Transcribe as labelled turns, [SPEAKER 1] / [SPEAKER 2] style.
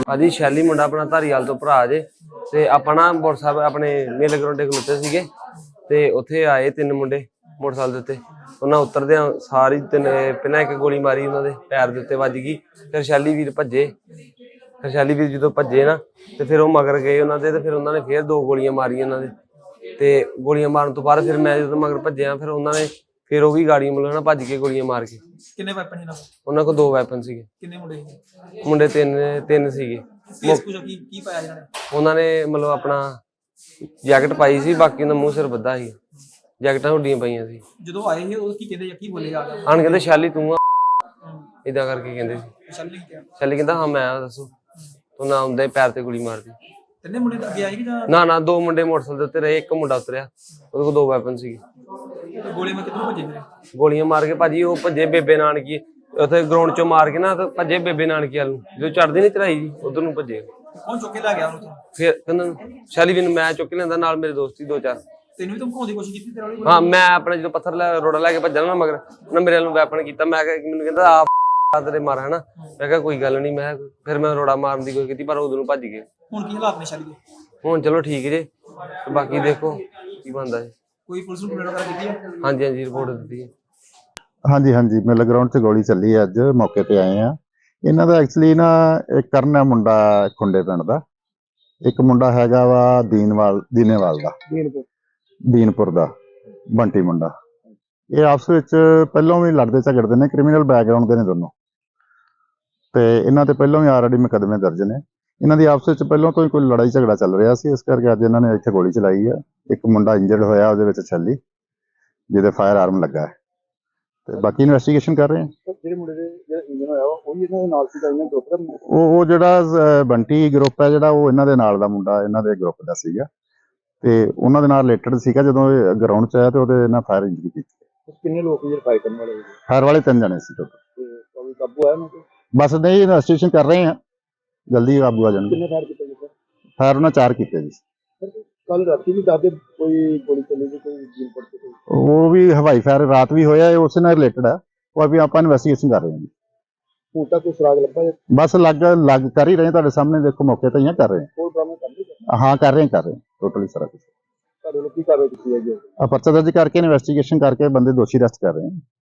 [SPEAKER 1] ਭਾਜੀ ਸ਼ੈਲੀ ਮੁੰਡਾ ਆਪਣਾ ਧਾਰੀਵਾਲ ਤੋਂ ਭਰਾ ਜੇ ਤੇ ਆਪਾਂ ਨਾ ਮੋਟਰਸਾਈਕਲ ਆਪਣੇ ਮੇਲੇ ਗਰਾਉਂਡੇ ਖਲੋਤੇ ਸੀਗੇ ਤੇ ਉੱਥੇ ਆਏ ਤਿੰਨ ਮੁੰਡੇ ਮੋਟਰਸਾਈਕਲ ਦੇ ਉੱਤੇ। ਉਹਨਾਂ ਉਤਰਦਿਆਂ ਸਾਰੀ ਪਹਿਲਾਂ ਇੱਕ ਗੋਲੀ ਮਾਰੀ ਉਹਨਾਂ ਦੇ ਪੈਰ ਦੇ ਉੱਤੇ ਵੱਜ ਗਈ। ਫਿਰ ਸ਼ੈਲੀ ਵੀਰ ਭੱਜੇ। ਫਿਰ ਸ਼ੈਲੀ ਵੀਰ ਜਦੋਂ ਭੱਜੇ ਨਾ ਤੇ ਫਿਰ ਉਹ ਮਗਰ ਗਏ ਉਹਨਾਂ ਦੇ ਤੇ ਫਿਰ ਉਹਨਾਂ ਨੇ ਫਿਰ ਦੋ ਗੋਲੀਆਂ ਮਾਰੀਆਂ ਉਹਨਾਂ ਦੇ ਤੇ ਗੋਲੀਆਂ ਮਾਰਨ ਤੋਂ ਬਾਅਦ ਫਿਰ ਮੈਂ ਜਦੋਂ ਮਗਰ ਭੱਜਿਆ ਫਿਰ ਉਹਨਾਂ ਨੇ ਫਿਰ ਉਹ ਵੀ ਗਾੜੀ ਮਤਲਬ ਨਾ ਭੱਜ ਕੇ ਗੋਲੀਆਂ ਮਾਰ ਕੇ।
[SPEAKER 2] ਕਿੰਨੇ ਵੈਪਨ ਇਹਨਾਂ ਕੋਲ?
[SPEAKER 1] ਉਹਨਾਂ ਕੋਲ ਦੋ ਵੈਪਨ ਸੀਗੇ।
[SPEAKER 2] ਕਿੰਨੇ ਮੁੰਡੇ ਸੀ?
[SPEAKER 1] ਮੁੰਡੇ ਤਿੰਨ ਸੀਗੇ।
[SPEAKER 2] ਕੀ ਪਾਇਆ ਇਹਨਾਂ ਨੇ?
[SPEAKER 1] ਉਹਨਾਂ ਨੇ ਮਤਲਬ ਆਪਣਾ ਜੈਕਟ ਪਾਈ ਸੀ, ਬਾਕੀ ਦਾ ਮੂੰਹ ਸਿਰ ਬੱਧਾ ਸੀ, ਜੈਕਟਾਂ ਹੁੱਡੀਆਂ ਪਈਆਂ ਸੀ।
[SPEAKER 2] ਜਦੋਂ ਆਏ ਸੀ ਉਹ ਕੀ ਕਹਿੰਦੇ ਕੀ ਬੋਲੇ ਆ
[SPEAKER 1] ਆਣ ਕਹਿੰਦੇ ਸ਼ੈਲੀ ਤੂੰ ਆ ਇਦਾਂ ਕਰਕੇ ਕਹਿੰਦੇ ਸੀ। ਸ਼ੈਲੀ ਕਹਿੰਦਾ ਹਾਂ ਮੈਂ ਆ, ਦੱਸੋ। ਤੂੰ ਨਾ ਆਉਂਦੇ ਪੈਰ ਤੇ ਗੋਲੀ ਮਾਰਦੀ।
[SPEAKER 2] ਤਿੰਨੇ ਮੁੰਡੇ ਅੱਗੇ ਆਏ ਕਿ ਜਾਂ
[SPEAKER 1] ਨਾ ਦੋ ਮੁੰਡੇ ਮੋਟਰਸਾਈਕਲ ਦੇ ਉੱਤੇ ਰਹੇ, ਇੱਕ ਮੁੰਡਾ ਉਤਰਿਆ, ਉਹਦੇ ਕੋਲ ਦੋ ਵੈਪਨ ਸੀਗੇ।
[SPEAKER 2] ਗੋਲੀਆਂ ਮਾਰ ਕਿੱਥੋਂ ਭੱਜੇ ਮੇਰੇ?
[SPEAKER 1] ਗੋਲੀਆਂ ਮਾਰ ਕੇ ਭਾਜੀ ਉਹ ਭੱਜੇ ਬੇਬੇ ਨਾਨਕੀ ਉੱਥੇ ਗਰਾਊਂਡ ਚੋਂ ਮਾਰ ਕੇ ਨਾ ਤੇ ਭੱਜੇ ਬੇਬੇ ਨਾਨਕੀ ਵੱਲ ਨੂੰ, ਜਦੋਂ ਚੜਦੀ ਨੀ ਚੜਾਈ ਜੀ ਉਧਰ ਨੂੰ ਭੱਜੇ।
[SPEAKER 2] ਕੌਣ ਚੁੱਕ ਕੇ ਲੈ ਗਿਆ ਉਹਨੂੰ?
[SPEAKER 1] ਫਿਰ ਕਹਿੰਦਾ ਸ਼ੈਲੀ ਵੀ ਮੈਂ ਚੁੱਕ ਲੈਂਦਾ, ਨਾਲ ਮੇਰੇ ਦੋਸਤੀ ਦੋ ਚਾਰ।
[SPEAKER 2] ਤੈਨੂੰ ਵੀ ਧਮਕਾਉਣ ਦੀ ਕੋਸ਼ਿਸ਼ ਕੀਤੀ ਤੇਰੇ ਵਾਲੀ?
[SPEAKER 1] ਹਾਂ ਮੈਂ ਆਪਣਾ ਜਦੋਂ ਪੱਥਰ ਰੋੜਾ ਲੈ ਕੇ ਭੱਜਣਾ ਨਾ ਮਗਰ ਉਹਨੇ ਮੇਰੇ ਵੱਲ ਵੈਪਨ ਕੀਤਾ। ਮੈਂ ਮੈਨੂੰ ਕਹਿੰਦਾ ਆ ਤੇਰੇ ਮਾਰ ਹਨਾ। ਮੈਂ ਕਿਹਾ ਕੋਈ ਗੱਲ ਨਹੀਂ। ਮੈਂ ਫਿਰ ਮੈਂ ਰੋੜਾ ਮਾਰਨ ਦੀ ਕੋਸ਼ਿਸ਼ ਕੀਤੀ ਪਰ ਉਦੋਂ ਨੂੰ ਭੱਜ ਗਏ।
[SPEAKER 2] ਹੁਣ ਕੀ ਹਾਲਾਤ ਨੇ ਸ਼ੈਲੀ ਦੇ?
[SPEAKER 1] ਹੁਣ ਚਲੋ ਠੀਕ ਜੇ, ਬਾਕੀ ਦੇਖੋ ਕੀ ਬਣਦਾ ਜੀ।
[SPEAKER 2] ਕੋਈ ਪੁਲਿਸ ਨੂੰ ਕੰਪਲੇਂਟ ਵਗੈਰਾ ਕੀਤੀ ਹੈ?
[SPEAKER 1] ਹਾਂਜੀ ਰਿਪੋਰਟ ਦਿੱਤੀ ਹੈ।
[SPEAKER 3] ਹਾਂਜੀ ਮੇਲੇ ਗਰਾਊਂਡ 'ਚ ਗੋਲੀ ਚੱਲੀ ਹੈ, ਅੱਜ ਮੌਕੇ ਤੇ ਆਏ ਆ। ਇਹਨਾਂ ਦਾ ਐਕਚੁਅਲੀ ਨਾ ਇੱਕ ਕਰਨ ਹੈ ਮੁੰਡਾ ਖੁੰਡੇ ਪਿੰਡ ਦਾ, ਇੱਕ ਮੁੰਡਾ ਹੈਗਾ ਵਾ ਦੀਨੇਵਾਲ ਦਾ, ਦੀਨਪੁਰ ਦਾ ਬੰਟੀ ਮੁੰਡਾ। ਇਹ ਆਪਸ ਵਿੱਚ ਪਹਿਲਾਂ ਵੀ ਲੜਦੇ ਝਗੜਦੇ ਨੇ, ਕ੍ਰਿਮੀਨਲ ਬੈਕਗ੍ਰਾਉਂਡ ਦੇ ਨੇ ਦੋਨੋਂ, ਤੇ ਇਹਨਾਂ ਤੇ ਪਹਿਲਾਂ ਵੀ ਆਲਰੇਡੀ ਮੁਕੱਦਮੇ ਦਰਜ ਨੇ। ਇਹਨਾਂ ਦੀ ਆਪਸ ਵਿੱਚ ਪਹਿਲਾਂ ਤੋਂ ਹੀ ਕੋਈ ਲੜਾਈ ਝਗੜਾ ਚੱਲ ਰਿਹਾ ਸੀ, ਇਸ ਕਰਕੇ ਅੱਜ ਇਹਨਾਂ ਨੇ ਇੱਥੇ ਗੋਲੀ ਚਲਾਈ ਹੈ। ਇੱਕ ਮੁੰਡਾ ਇੰਜਰਡ ਹੋਇਆ ਉਹਦੇ ਵਿੱਚ ਛੱਲੀ, ਜਿਹਦੇ ਫਾਇਰ ਆਰਮ ਲੱਗਾ ਹੈ, ਤੇ ਬਾਕੀ ਇਨਵੈਸਟੀਗੇਸ਼ਨ ਕਰ ਰਹੇ ਹਾਂ।
[SPEAKER 4] ਜਿਹੜੇ ਮੁੰਡੇ ਦੇ ਜਿਹੜਾ ਇੰਜਨ ਹੋਇਆ ਉਹ ਵੀ ਇਹਨਾਂ ਦੇ ਨਾਲ ਸੀਗਾ, ਇਹਨਾਂ ਗਰੁੱਪ ਦਾ?
[SPEAKER 3] ਉਹ ਜਿਹੜਾ ਬੰਟੀ ਗਰੁੱਪ ਹੈ ਜਿਹੜਾ, ਉਹ ਇਹਨਾਂ ਦੇ ਨਾਲ ਦਾ ਮੁੰਡਾ ਇਹਨਾਂ ਦੇ ਗਰੁੱਪ ਦਾ ਸੀਗਾ, ਤੇ ਉਹਨਾਂ ਦੇ ਨਾਲ ਰਿਲੇਟਡ ਸੀਗਾ। ਜਦੋਂ ਇਹ ਗਰਾਊਂਡ 'ਚ ਆਇਆ ਤੇ ਉਹਦੇ ਨਾਲ ਫਾਇਰ ਇੰਜਰੀ ਕੀਤੀ।
[SPEAKER 4] ਕਿੰਨੇ ਲੋਕ ਜਿਹੜੇ ਫਾਈਟ ਕਰਨ ਵਾਲੇ?
[SPEAKER 3] ਫਾਇਰ ਵਾਲੇ 3 ਜਣੇ ਸੀ ਟੋਟਲ।
[SPEAKER 4] ਕੋਈ ਕਾਬੂ ਆਇਆ ਉਹਨਾਂ ਤੇ?
[SPEAKER 3] ਬਸ ਨਹੀਂ, ਇਨਵੈਸਟੀਗੇਸ਼ਨ ਕਰ ਰਹੇ ਹਾਂ, ਜਲਦੀ ਕਾਬੂ ਆ ਜਾਣਗੇ।
[SPEAKER 4] ਕਿੰਨੇ ਫਾਇਰ ਕੀਤੇ ਜੀ?
[SPEAKER 3] ਫਾਇਰ ਉਹਨਾਂ 4 ਕੀਤੇ ਜੀ।
[SPEAKER 4] ਕੱਲ ਰਾਤੀ ਵੀ ਦੱਸਦੇ ਕੋਈ ਗੋਲੀ ਚੱਲੀ ਸੀ, ਕੋਈ ਜੀਨਪੁਰ ਤੇ ਕੋਈ?
[SPEAKER 3] ਉਹ ਵੀ ਹਵਾਈ ਫਾਇਰ ਰਾਤ ਵੀ ਹੋਇਆ, ਇਹ ਉਸੇ ਨਾਲ ਰਿਲੇਟਡ ਹੈ। ਉਹ ਵੀ ਆਪਾਂ ਇਨਵੈਸਟੀਗੇਸ਼ਨ ਕਰ ਰਹੇ ਹਾਂ ਜੀ।
[SPEAKER 4] ਹੁਣ ਤੱਕ ਕੋਈ ਸੁਰਾਗ ਲੱਭਾ ਜਾਂ?
[SPEAKER 3] ਬਸ ਲੱਗ ਕਰ ਹੀ ਰਹੇ, ਤੁਹਾਡੇ ਸਾਹਮਣੇ ਦੇਖੋ, ਮੌਕੇ ਤੇ ਹੀ ਕਰ ਰਹੇ
[SPEAKER 4] ਕੋਈ ਬਰਾਮਦ ਕਰਦੇ?
[SPEAKER 3] ਹਾਂ। ਹਾਂ ਕਰ ਰਹੇ ਟੋਟਲੀ ਸਾਰਾ ਕੁਝ।
[SPEAKER 4] ਤੁਹਾਡੇ ਲੋਕ ਕੀ ਕਾਰਵਾਈ ਕੀਤੀ ਹੈ ਜੀ?
[SPEAKER 3] ਪਰਚਾ ਦਰਜ ਕਰਕੇ ਇਨਵੈਸਟੀਗੇਸ਼ਨ ਕਰਕੇ ਬੰਦੇ ਦੋਸ਼ੀ ਅਰੈਸਟ ਕਰ ਰਹੇ ਹਾਂ।